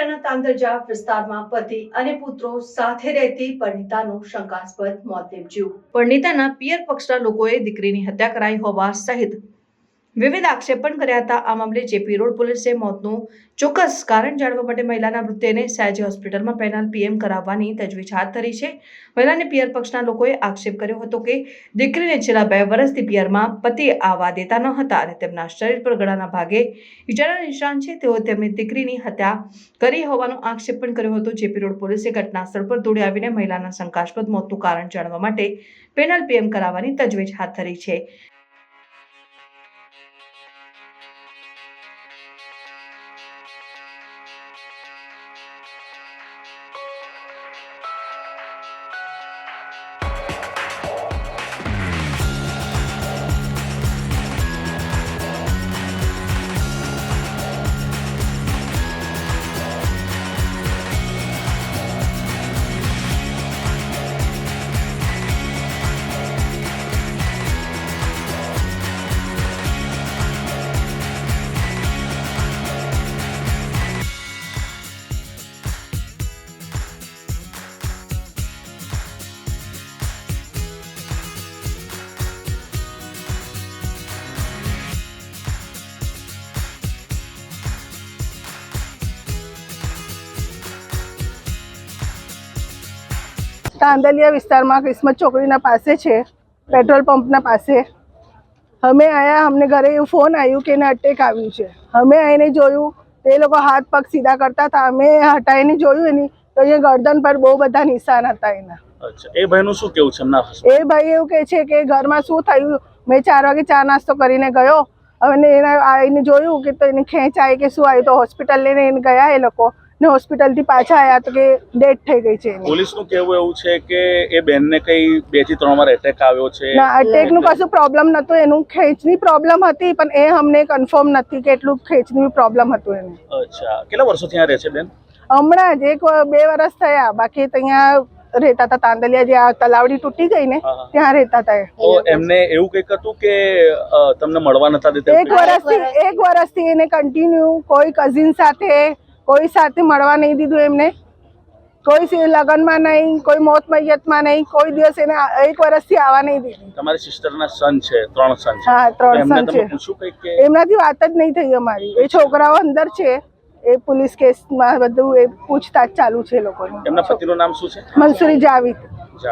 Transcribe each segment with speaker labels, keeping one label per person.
Speaker 1: શહેરના તાંદરજા વિસ્તારમાં પતિ અને પુત્રો સાથે રહેતી પરિણીતાનું શંકાસ્પદ મોત નીપજ્યું। પરિણીતાના પિયર પક્ષના લોકોએ દીકરીની હત્યા કરાઈ હોવા સહિત વિવિધ આક્ષેપણ કર્યા હતા। આ મામલે જેપી રોડ પોલીસે મોતનું ચોક્કસ કારણ જાણવા માટે મહિલાના મૃતદેહને સયાજી હોસ્પિટલમાં પેનલ પીએમ કરાવવાની તજવીજ હાથ ધરી છે। મહિલાને પિયર પક્ષના લોકોએ આક્ષેપ કર્યો હતો કે દીકરીને છેલ્લા 2 વર્ષથી પિયરમાં પતિ આવવા દેતા ન હતા અને તેમના શરીર પર ગળાના ભાગે ઈજાના નિશાન છે। તેઓ તેમની દીકરીની હત્યા કરી હોવાનો આક્ષેપ પણ કર્યો હતો। જેપી રોડ પોલીસે ઘટના સ્થળ પર દોડી આવીને મહિલાના શંકાસ્પદ મોતનું કારણ જાણવા માટે પેનલ પીએમ કરાવવાની તજવીજ હાથ ધરી છે।
Speaker 2: तांदलिया विस्तार में किस्मत छोकरी पास है पेट्रोल पंप पास हमें आया हमने घरे फोन आयु के अटेक आयु हमें आईने जोयु ते लोग हाथ पग सीधा करता था हमें हटाई जोयु नहीं तो ये गर्दन पर बहुत बड़ा निशान था एना।
Speaker 3: अच्छा ए भाई नु શું કેવું છે એમના
Speaker 2: એ ભાઈ એવું કહે છે કે ઘરમાં શું થયું મેં 4 વાગે ચા નાસ્તો કરીને ગયો અને એને આઈને જોયું કે તો એને ખેંચ આવી કે શું આવ્યું તો હોસ્પિટલ લઈને એને ગયા એ લોકો ને હોસ્પિટલ થી પાછા આયા તો કે ડેથ થઈ ગઈ છે।
Speaker 3: પોલીસ નું કહેવું એવું છે કે એ બેનને કઈ 2 થી 3 વાર એટેક આવ્યો છે
Speaker 2: ના અટેક નું કશું પ્રોબ્લેમ નતો એનું ખેંચની પ્રોબ્લેમ હતી પણ એ અમને કન્ફર્મ નથી કે એટલું ખેંચની પ્રોબ્લેમ હતું એને।
Speaker 3: અચ્છા કેટલા વર્ષોથી ત્યાં રહે છે બેન?
Speaker 2: હમણાં જ 2 વર્ષ થયા બાકી ત્યાં રહેતા હતા તાંદલિયા જે આ તલાવડી તૂટી ગઈ ને ત્યાં રહેતા હતા।
Speaker 3: તો એમને એવું કંઈક હતું કે તમને મળવા નતા દેતા?
Speaker 2: 1 વર્ષથી એને કન્ટિન્યુ કોઈ કઝિન સાથે કોઈ સાથે મળવા નહીં દીધું એમને કોઈ લગનમાં નહીં કોઈ મોત મૈયતમાં નહીં કોઈ દિવસ એને 1 વર્ષથી આવવા નહીં દીધું।
Speaker 3: તમારી સિસ્ટરના સન છે 3 સન છે?
Speaker 2: હા 3 સન છે।
Speaker 3: પૂછું કંઈક કે
Speaker 2: એમનાથી વાત જ નહીં થઈ અમારી એ છોકરાઓ અંદર છે એ પોલીસ કેસમાં બધું એ પૂછતાછ ચાલુ છે લોકોની।
Speaker 3: એમના પતિનું નામ શું છે?
Speaker 2: મંસૂરી જાવેદ।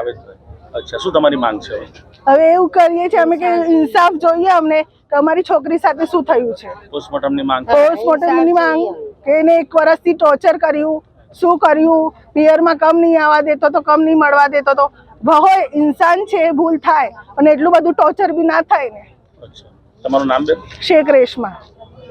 Speaker 3: અચ્છા શું તમારી માંગ છે?
Speaker 2: હવે એવું કરીએ છીએ અમે કે ઇન્સાફ જોઈએ અમને કે અમારી છોકરી સાથે શું થયું છે।
Speaker 3: પોસ્ટમોર્ટમની માંગ
Speaker 2: માંગ કે એને 1 વર્ષથી ટોર્ચર કર્યું શું કર્યું પિયરમાં કમ નહીં આવવા દેતો તો કમ નહીં મળવા દેતો તો હોય ઇન્સાન છે ભૂલ થાય અને એટલું બધું ટોર્ચર બી ના થાય ને।
Speaker 3: અચ્છા તમારું નામ બેન?
Speaker 2: શેખ રેશમા।